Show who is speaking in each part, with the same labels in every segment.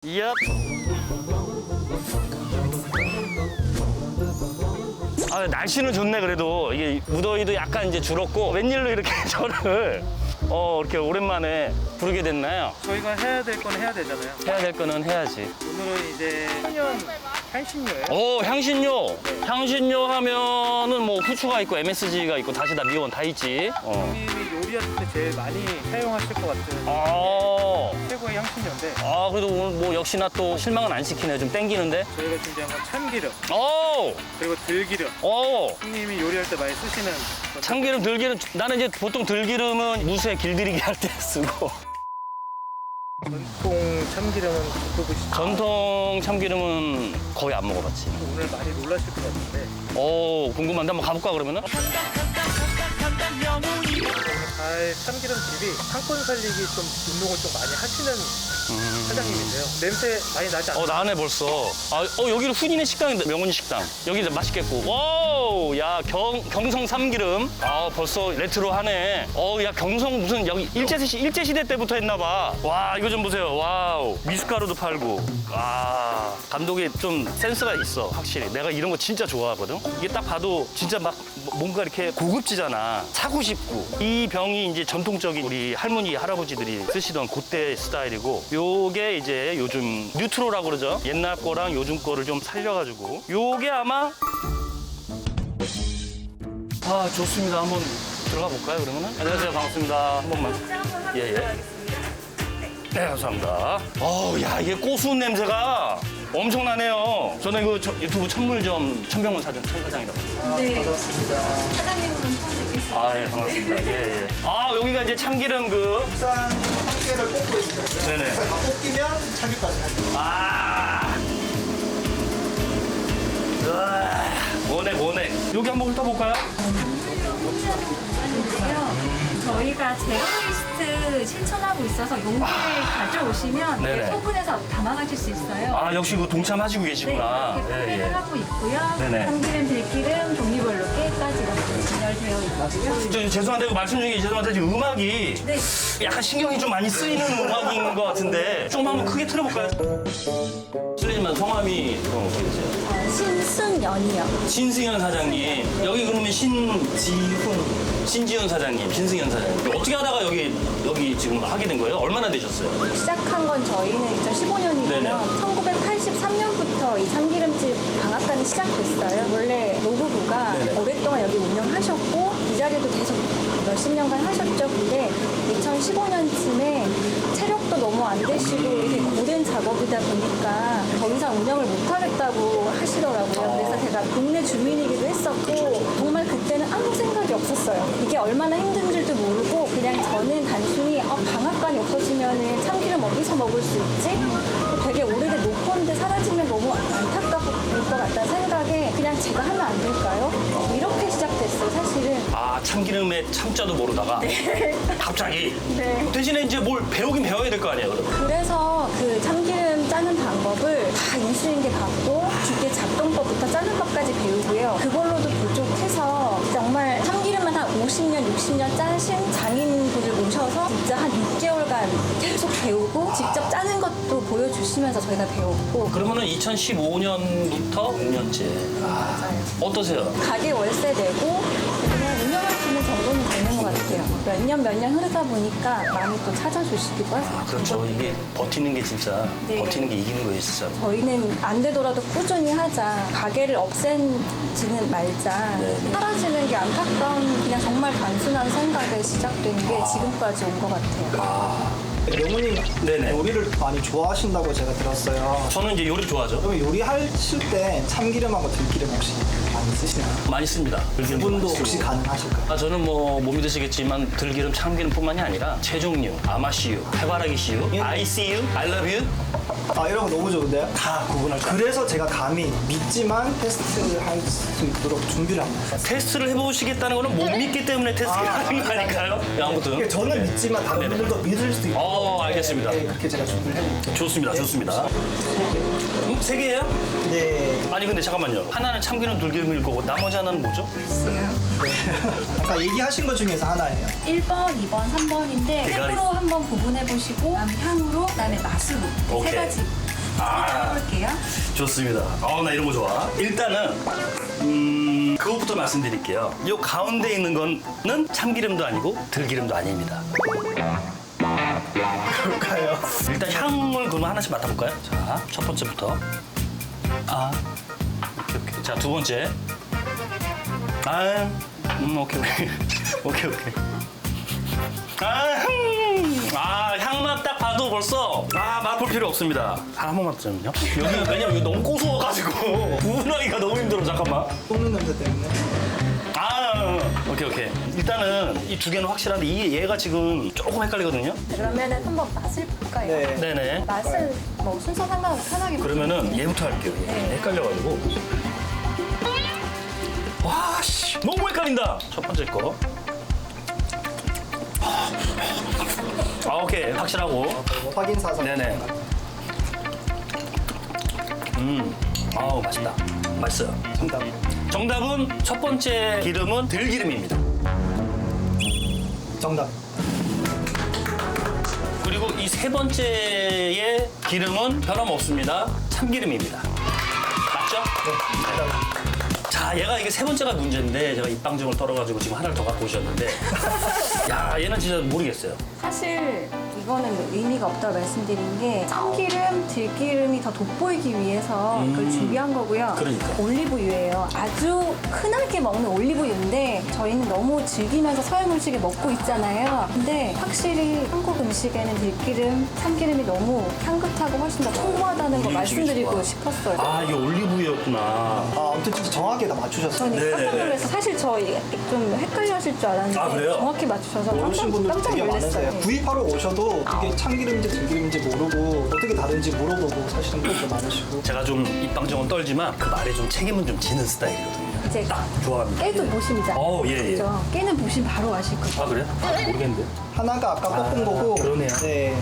Speaker 1: 얍. 아, 날씨는 좋네. 그래도 이게 무더위도 약간 이제 줄었고, 웬일로 이렇게 저를 이렇게 오랜만에 부르게 됐나요?
Speaker 2: 저희가 해야 될 건 해야 되잖아요.
Speaker 1: 해야 될 거는 해야지.
Speaker 2: 오늘은 이제 천연 향신료예요.
Speaker 1: 오, 향신료. 향신료 하면은 뭐 후추가 있고 MSG가 있고 다시다 미원 다 있지.
Speaker 2: 형님이 요리하실 때 제일 많이 사용하실 것 같은
Speaker 1: 아,
Speaker 2: 최고의 향신료인데
Speaker 1: 그래도 오늘 뭐 역시나 또 실망은 안 시키네. 좀 땡기는데.
Speaker 2: 저희가 준비한 건 참기름
Speaker 1: 오,
Speaker 2: 그리고 들기름.
Speaker 1: 오.
Speaker 2: 형님이 요리할 때 많이 쓰시는 그런
Speaker 1: 참기름, 들기름. 나는 이제 보통 들기름은 무쇠 길들이기 할 때 쓰고.
Speaker 2: 전통 참기름은 드셔보시죠.
Speaker 1: 전통 참기름은 거의 안 먹어봤지.
Speaker 2: 오늘 많이 놀라실 것 같은데
Speaker 1: 오, 궁금한데 한번 가볼까 그러면은?
Speaker 2: 참기름 집이 상권 살리기 좀 운동을 좀 많이 하시는 사장님이세요. 냄새 많이 나지 않나요?
Speaker 1: 나네 벌써. 여기는 훈이네 식당인데, 명훈이 식당. 여기 맛있겠고. 와우, 야, 경성 참기름. 벌써 레트로하네. 야, 경성 무슨 여기 일제시대 때부터 했나봐. 와, 이거 좀 보세요. 와우. 미숫가루도 팔고. 감독이 좀 센스가 있어, 확실히. 내가 이런 거 진짜 좋아하거든. 이게 딱 봐도 진짜 막 뭔가 이렇게 고급지잖아. 사고 싶고. 이 병이 이제 전통적인 우리 할머니, 할아버지들이 쓰시던 그때 스타일이고, 요게 이제 요즘 뉴트로라고 그러죠. 옛날 거랑 요즘 거를 좀 살려가지고. 요게 아마 좋습니다. 한번 들어가 볼까요, 그러면은? 안녕하세요. 반갑습니다. 한 번만. 예. 네, 감사합니다. 야, 이게 고수운 냄새가 엄청나네요. 저는 그 유튜브 천물점 천병문 천사장이라고.
Speaker 3: 네. 사장님은 처음 뵙겠습니다.
Speaker 1: 예, 반갑습니다. 예. 여기가 이제 참기름
Speaker 4: 국산 참깨를 볶고 있습니다.
Speaker 1: 네네.
Speaker 4: 다 볶이면 참기까지 합니다.
Speaker 1: 모네. 여기 한번 훑어볼까요?
Speaker 3: 저희가 제로웨이스트 실천하고 있어서 용기를 가져오시면
Speaker 1: 네네.
Speaker 3: 소분해서 담아가실 수 있어요.
Speaker 1: 역시 그 동참하시고
Speaker 3: 네,
Speaker 1: 계시구나.
Speaker 3: 이렇게 판매를 하고 있고요.
Speaker 1: 네네.
Speaker 3: 참기름, 들기름, 종류별로 깨까지 이렇게 진열되어 있고요.
Speaker 1: 죄송한데 그 말씀 중에 죄송한데 지금 음악이
Speaker 3: 네.
Speaker 1: 약간 신경이 좀 많이 쓰이는 음악인 것 같은데 조금 한번 크게 틀어볼까요? 실례지만 성함이 그럼 어떻게 되세요?
Speaker 3: 신순연이요.
Speaker 1: 신승현 사장님. 여기 그러면 신지훈 사장님, 신승현 사장님. 어떻게 하다가 여기 지금 하게 된 거예요? 얼마나 되셨어요?
Speaker 3: 시작한 건 저희는 2015년이고요.
Speaker 1: 네네.
Speaker 3: 1983년부터 이 참기름집 방앗간이 시작됐어요. 원래 노부부가
Speaker 1: 네네.
Speaker 3: 오랫동안 여기 운영하셨고 이 자리도 계속 몇십 년간 하셨죠. 근데 2015년쯤에 체력도 너무 안 되시고 이게 고된 작업이다 보니까 더 이상 운영을 못 하겠다고 하시더라고요. 그래서 제가 동네 주민이기도 했었고 정말 그때는 아무 생각이 없었어요. 이게 얼마나 힘든지도 모르고 그냥 저는 단순히 방앗간이 없어지면 참기름 어디서 먹을 수 있지? 되게 오래된 노포인데 사라지면 너무 안타까울 것 같다는 생각에 그냥 제가 하면 안 될까요? 이렇게 시작됐어요, 사실은.
Speaker 1: 참기름에 참자도 모르다가 갑자기
Speaker 3: 네.
Speaker 1: 대신에 이제 뭘 배우긴 배워야 될 거 아니에요, 그럼?
Speaker 3: 그래서 그 참기름 짜는 방법을 다 인수인계 받고 기계 작동법부터 짜는 법까지 배우고요. 그걸로도 부족해서 정말 참기름만 한 50년, 60년 짜신 장인분을 모셔서 진짜 한 6개월간 계속 배우고 직접 짜는 것도 보여주시면서 저희가 배웠고
Speaker 1: 그러면은 2015년부터 5년째.
Speaker 3: 맞아요.
Speaker 1: 어떠세요?
Speaker 3: 가게 월세 내고 그냥 운영할 수 있는 정도는 되는 것 같아요. 몇 년 흐르다 보니까 많이 또 찾아주시기도 하세요.
Speaker 1: 그렇죠. 이게 버티는 게 진짜
Speaker 3: 네.
Speaker 1: 버티는 게 이기는 거예요, 진짜.
Speaker 3: 저희는 안 되더라도 꾸준히 하자. 가게를 없앤지는 말자.
Speaker 1: 네.
Speaker 3: 사라지는 게 안타까운 그냥 정말 단순한 생각에 시작된 게 지금까지 온 것 같아요.
Speaker 4: 명훈님
Speaker 1: 네네.
Speaker 4: 요리를 많이 좋아하신다고 제가 들었어요.
Speaker 1: 저는 이제 요리 좋아하죠.
Speaker 4: 그럼 요리하실 때 참기름하고 들기름 혹시 많이 쓰시나요?
Speaker 1: 많이 씁니다. 들기름
Speaker 4: 분도
Speaker 1: 많이
Speaker 4: 혹시
Speaker 1: 쓰고.
Speaker 4: 가능하실까요?
Speaker 1: 저는 뭐 못 믿으시겠지만 들기름, 참기름뿐만이 아니라 채종류, 아마씨유, 해바라기 씨유, ICU, I love you.
Speaker 4: 이런 거 너무 좋은데요? 다 구분할 수 그래서 제가 감히 믿지만 테스트할 수 있도록 준비를 합니다.
Speaker 1: 테스트를 해보시겠다는 거는 못 믿기 때문에 테스트를 하는 거 아닐까요? 아무튼.
Speaker 4: 이게 저는 믿지만 다른
Speaker 1: 네네.
Speaker 4: 분들도 믿을 수 있도록
Speaker 1: 알겠습니다.
Speaker 4: 네, 그렇게 제가 준비를 해볼게요.
Speaker 1: 좋습니다, 좋습니다. 세 개예요?
Speaker 4: 네.
Speaker 1: 아니 근데 잠깐만요. 하나는 참기름, 들기름일 거고 나머지 하나는 뭐죠?
Speaker 4: 아까 얘기하신 것 중에서 하나예요.
Speaker 3: 1번, 2번, 3번인데
Speaker 1: 대가리.
Speaker 3: 색으로 한번 구분해 보시고 그다음에 향으로, 그다음에 맛으로
Speaker 1: 오케이.
Speaker 3: 세 가지 해볼게요.
Speaker 1: 좋습니다. 나 이런 거 좋아. 일단은 그것부터 말씀드릴게요. 요 가운데 있는 거는 참기름도 아니고 들기름도 아닙니다.
Speaker 4: 그럴까요?
Speaker 1: 일단 향을 그러면 하나씩 맡아볼까요? 자, 첫 번째부터. 오케이. 자, 두 번째. 오케이. 오케이. 향만 딱 봐도 벌써 맛볼 필요 없습니다. 한 번만 더 좀요. 여기 왜냐면 이거 너무 고소해가지고 구분하기가 너무 힘들어. 잠깐만.
Speaker 4: 볶는 냄새 때문에.
Speaker 1: 오케이. 일단은 이 두 개는 확실한데 얘가 지금 조금 헷갈리거든요.
Speaker 3: 그러면은 한번 맛을 볼까요?
Speaker 4: 네.
Speaker 1: 네네.
Speaker 3: 맛은 뭐 순서 상관없이 편하게
Speaker 1: 그러면은 얘부터 할게요. 얘.
Speaker 3: 네.
Speaker 1: 헷갈려가지고. 와, 씨. 너무 헷갈린다. 첫 번째 거. 오케이. 확실하고.
Speaker 4: 확인 사선.
Speaker 1: 네네. 맛있다. 맛있어요.
Speaker 4: 정답.
Speaker 1: 정답은 첫 번째 기름은 들기름입니다.
Speaker 4: 정답.
Speaker 1: 그리고 이 세 번째의 기름은 변함없습니다. 참기름입니다. 맞죠?
Speaker 4: 네.
Speaker 1: 자, 얘가 이게 세 번째가 문제인데 제가 입방정을 떨어가지고 지금 하나를 더 갖고 오셨는데 야, 얘는 진짜 모르겠어요.
Speaker 3: 사실 이거는 뭐 의미가 없다고 말씀드린 게 참기름, 들기름이 더 돋보이기 위해서 그걸 준비한 거고요.
Speaker 1: 그러니까.
Speaker 3: 올리브유예요. 아주 흔하게 먹는 올리브유인데 저희는 너무 즐기면서 서양 음식을 먹고 있잖아요. 근데 확실히 한국 음식에는 들기름, 참기름이 너무 향긋하고 훨씬 더 풍부하다는 거
Speaker 1: 우리 음식이
Speaker 3: 말씀드리고
Speaker 1: 좋아.
Speaker 3: 싶었어요.
Speaker 1: 이게 올리브유였구나.
Speaker 4: 아무튼 진짜 정확하게 다 맞추셨어요.
Speaker 3: 저는
Speaker 1: 네네네.
Speaker 3: 깜짝 놀라서 사실 저 좀 헷갈려 하실 줄 알았는데
Speaker 1: 그래요?
Speaker 3: 정확히 맞추셔서
Speaker 4: 모르신 분들
Speaker 3: 깜짝
Speaker 4: 되게 많으세요.
Speaker 3: 놀랐어요.
Speaker 4: 구입하러 오셔도 이게 참기름인지 들기름인지 모르고 어떻게 다른지 물어보고 사시는 분들 많으시고.
Speaker 1: 제가 좀 입방정은 떨지만 그 말에 좀 책임은 좀 지는 스타일이거든요.
Speaker 3: 이제
Speaker 1: 좋아합니다.
Speaker 3: 깨도 보심이잖아요.
Speaker 1: 예.
Speaker 3: 그죠? 깨는 보심 바로 아실 거예요.
Speaker 1: 그래요? 모르겠는데.
Speaker 4: 하나가 아까 볶은 거고.
Speaker 1: 그러네요.
Speaker 4: 네.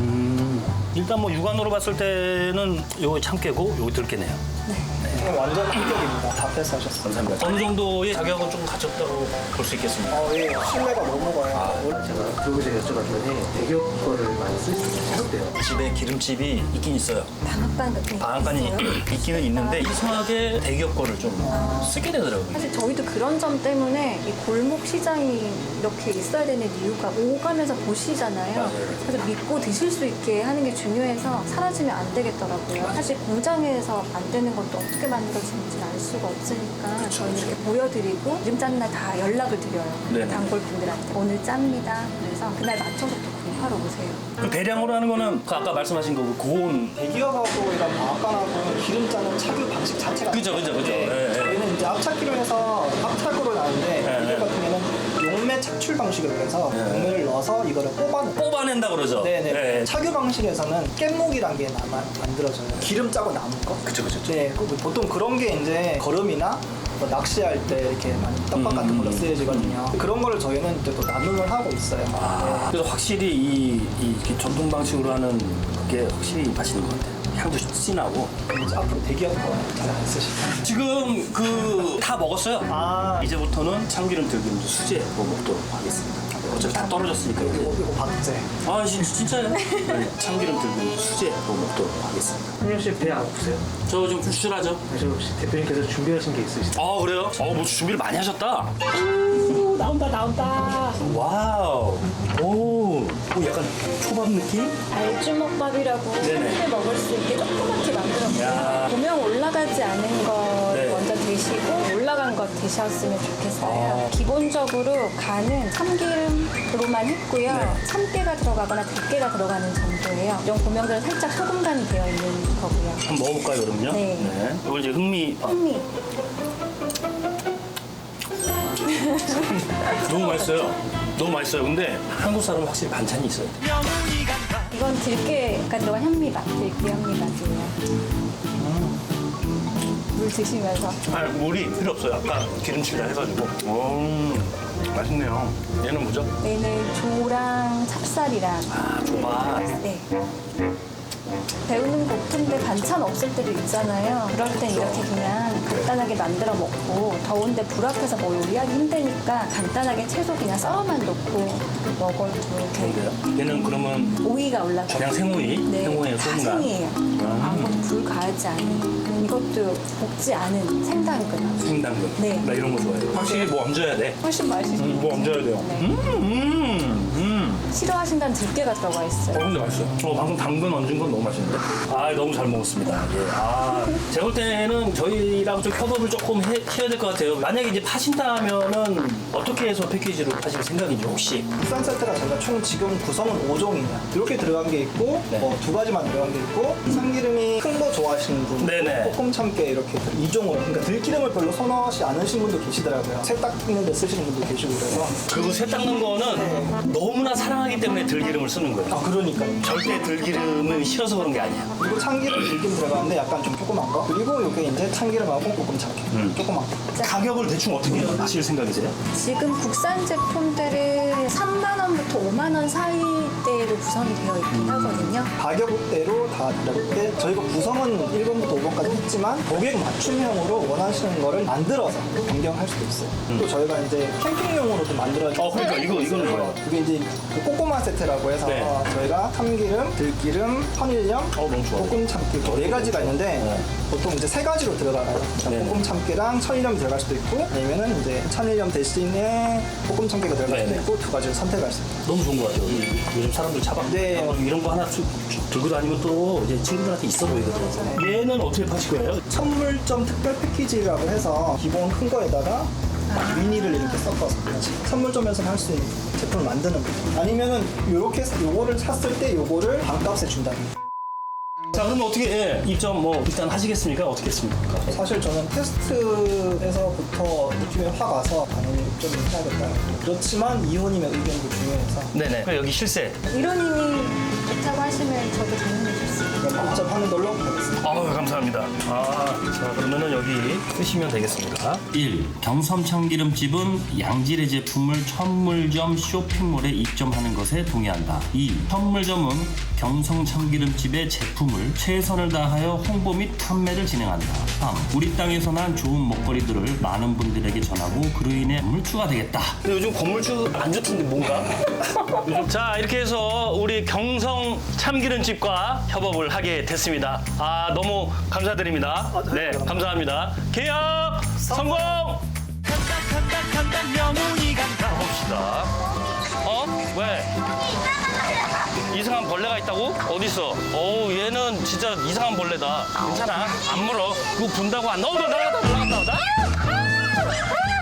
Speaker 1: 일단 뭐 육안으로 봤을 때는 요거 참깨고 요거 들깨네요.
Speaker 4: 이건 완전 합격입니다. 다 패스하셨어요.
Speaker 1: 감사합니다. 어느 정도의 자격은 좀 갖췄다고 볼 수 있겠습니다.
Speaker 4: 예. 신뢰가 너무 가요.
Speaker 5: 제가 그리고 제가 여쭤봤더니 대기업 거를 많이 쓸 수 있대요.
Speaker 1: 집에 기름집이 있긴 있어요.
Speaker 3: 방앗간 같은 게
Speaker 1: 방앗간이
Speaker 3: 있어요?
Speaker 1: 있기는 있는데 이상하게 대기업 거를 좀 쓰게 되더라고요.
Speaker 3: 사실 저희도 그런 점 때문에 이 골목 시장이 이렇게 있어야 되는 이유가 오가면서 보시잖아요. 그래서 믿고 드실 수 있게 하는 게 중요해서 사라지면 안 되겠더라고요. 사실 공장에서 만드는 것도 어떻게 만들어지는지 알 수가 없으니까 저희는 이렇게 보여드리고 이름 짠 날 다 연락을 드려요.
Speaker 1: 네네.
Speaker 3: 단골분들한테 오늘 짭니다. 그래서 그날 맞춰서 또 구입하러 오세요.
Speaker 1: 그 대량으로 하는 거는 그 아까 말씀하신 거 고온.
Speaker 4: 대기업하고 이런 방앗간하고는 기름 짜는 착유 방식 자체가
Speaker 1: 그죠.
Speaker 4: 네.
Speaker 1: 예.
Speaker 4: 저희는 이제 압착기로 해서 압착으로 나는데 이들 같은 경우는 용매 착출 방식으로 해서 용매를 넣어서 이거를 뽑아내요.
Speaker 1: 뽑아낸다 그러죠.
Speaker 4: 네네.
Speaker 1: 예.
Speaker 4: 착유 방식에서는 깻목이란 게 만들어져요. 기름 짜고 남은 거.
Speaker 1: 그쵸.
Speaker 4: 네, 보통 그런 게 이제 거름이나 뭐 낚시할 때 이렇게 많이 떡밥 같은 걸로 쓰여지거든요. 그런 거를 저희는 이제 또 나눔을 하고 있어요.
Speaker 1: 그래서 확실히 이 전통 방식으로 하는 그게 확실히 맛있는 것 같아요. 향도 진하고.
Speaker 4: 네. 이제 앞으로 대기업 거 잘 안 쓰시고.
Speaker 1: 지금 그 다 먹었어요. 이제부터는 참기름 들기름 수제 뭐 먹도록 하겠습니다. 어차피 다 떨어졌으니까 이제.
Speaker 4: 이거 박제.
Speaker 1: 진짜요? 네, 참기름 들기름 수제 뭐 먹도록 하겠습니다.
Speaker 5: 한영 씨 배 안 고프세요?
Speaker 1: 저 좀 출출하죠?
Speaker 5: 저 혹시 대표님께서 준비하신 게 있으시죠?
Speaker 1: 그래요? 뭐 준비를 많이 하셨다.
Speaker 3: 나온다.
Speaker 1: 와우. 오, 약간 초밥 느낌?
Speaker 3: 알주먹밥이라고
Speaker 1: 네네.
Speaker 3: 손님들 먹을 수 있게 조그맣게
Speaker 1: 야.
Speaker 3: 만들었고요. 보면 올라가지 않은 거
Speaker 1: 네.
Speaker 3: 먼저 드시고 올라간 거 드셨으면 좋겠어요. 기본적으로 간은 참기름으로만 했고요.
Speaker 1: 네.
Speaker 3: 참깨가 들어가거나 들깨가 들어가는 정도예요. 이런 고명들은 살짝 소금간이 되어 있는 거고요.
Speaker 1: 한번 먹어볼까요, 그러면요?
Speaker 3: 네.
Speaker 1: 이거 이제 흥미밥.
Speaker 3: 현미.
Speaker 1: 너무 맛있어요. 너무 맛있어요. 근데 한국 사람은 확실히 반찬이 있어요.
Speaker 3: 이건 들깨가 들어간 현미밥. 들깨 현미밥이에요. 물 드시면서.
Speaker 1: 물이 필요 없어요. 아까 기름칠이라 해가지고. 맛있네요. 얘는 뭐죠?
Speaker 3: 얘는 조랑 찹쌀이랑.
Speaker 1: 조밥.
Speaker 3: 네. 배우는 고픈데 반찬 없을 때도 있잖아요. 그럴 땐 이렇게 그냥 간단하게 만들어 먹고 더운데 불 앞에서 뭐 요리하기 힘드니까 간단하게 채소 그냥 썰어만 넣고 먹어도 되게
Speaker 1: 얘는 그러면
Speaker 3: 오이가 올라가요.
Speaker 1: 그냥 생오이?
Speaker 3: 네.
Speaker 1: 생오이에
Speaker 3: 다
Speaker 1: 소금간?
Speaker 3: 생이에요. 아무것도 나지 않은 이것도 볶지 않은 생당근.
Speaker 1: 생당근.
Speaker 3: 네.
Speaker 1: 나 이런 거 좋아해요. 확실히 뭐 얹어야 돼.
Speaker 3: 훨씬 맛있어요.
Speaker 1: 뭐 얹어야 돼요.
Speaker 3: 싫어하신다는 들깨가 들어가 있어요.
Speaker 1: 근데 맛있어. 방금 당근 얹은 건 너무 맛있는데? 아, 너무 잘 먹었습니다. 예. 아, 제가 볼 때는 저희랑 좀 협업을 조금 해야 될 것 같아요. 만약에 이제 파신다면은 어떻게 해서 패키지로 파실 생각인지 혹시?
Speaker 4: 국산 세트가 저희가 총 지금 구성은 5종이냐 이렇게 들어간 게 있고
Speaker 1: 네.
Speaker 4: 2가지만 들어간 게 있고 참기름이 큰 거 좋아하시는 분,
Speaker 1: 네네.
Speaker 4: 볶음 참깨 이렇게 2종으로 그러니까 들기름을 별로 선호하지 않으신 분도 계시더라고요. 새 닦는데 쓰시는 분도 계시고 그래서
Speaker 1: 그리고 새 닦는 거는 너무나 사랑하기 때문에 들기름을 쓰는 거예요.
Speaker 4: 그러니까
Speaker 1: 절대 들기름을 싫어서 그런 게 아니야.
Speaker 4: 그리고 참기름 들기름 들어가는데 약간 좀 조그만 거 그리고 이게 이제 참기름하고 볶음 참깨 조그만 거
Speaker 1: 가격을 대충 어떻게 하실 생각이세요?
Speaker 3: 지금 국산 제품들은 3만 원부터 5만 원 사이대로 구성이 되어 있긴 하거든요.
Speaker 4: 가격대로 다 다른데 저희가 구성은 1번부터 5번까지 했지만 고객 맞춤형으로 원하시는 거를 만들어서 변경할 수도 있어요. 또 저희가 이제 캠핑용으로도 만들어서
Speaker 1: 그러니까 이거는 뭐예요?
Speaker 4: 이게 이제 그 꼬꼬마 세트라고 해서
Speaker 1: 네.
Speaker 4: 저희가 참기름, 들기름, 천일염,
Speaker 1: 너무 좋아요.
Speaker 4: 볶음 참깨 네 가지가 있는데 보통 이제 3가지로 들어가요. 그러니까
Speaker 1: 네네.
Speaker 4: 볶음 참깨랑 천일염이 들어갈 수도 있고 아니면은 이제 천일염 대신에 볶음 참깨가 들어갈 수도
Speaker 1: 네네.
Speaker 4: 있고 2가지를 선택할 수 있어요.
Speaker 1: 너무 좋은 것 같아요. 요즘 사람들 차박
Speaker 4: 네.
Speaker 1: 이런 거 하나 들고 다니면 또 이제 친구들한테 있어 보이거든요. 얘는 어떻게 파실 거예요?
Speaker 4: 선물점 특별 패키지라고 해서 기본 큰 거에다가 미니를 이렇게 섞어서 선물점에서 할 수 있는 제품을 만드는 거죠. 아니면은 요렇게 요거를 샀을 때 요거를 반값에 준다는 거.
Speaker 1: 자, 그러면 어떻게 입점 뭐 일단 하시겠습니까? 어떻게 했습니까?
Speaker 4: 사실 저는 테스트에서부터 느낌이 확 와서 당연히 입점을 해야겠다. 그렇지만 이호님의 의견도 중요해서
Speaker 1: 네네. 그럼 여기 실세.
Speaker 3: 이론님이 좋다고 하시면 저도 당연히 좋습니다.
Speaker 4: 입점하는 걸로 하겠습니다.
Speaker 1: 감사합니다. 자, 그러면은 여기 쓰시면 되겠습니다. 1. 경섬 참기름집은 양질의 제품을 천물점 쇼핑몰에 입점하는 것에 동의한다. 2. 천물점은 경성 참기름집의 제품을 최선을 다하여 홍보 및 판매를 진행한다. 3. 우리 땅에서 난 좋은 먹거리들을 많은 분들에게 전하고 그로 인해 건물주가 되겠다. 근데 요즘 건물주 안 좋던데 뭔가? 자, 이렇게 해서 우리 경성 참기름집과 협업을 하게 됐습니다. 너무 감사드립니다. 네, 감사합니다. 계약 성공! 가봅시다. 왜? 이상한 벌레가 있다고? 어딨어? 얘는 진짜 이상한 벌레다. 괜찮아. 안 물어. 그거 분다고 안 나온다. 나갔다.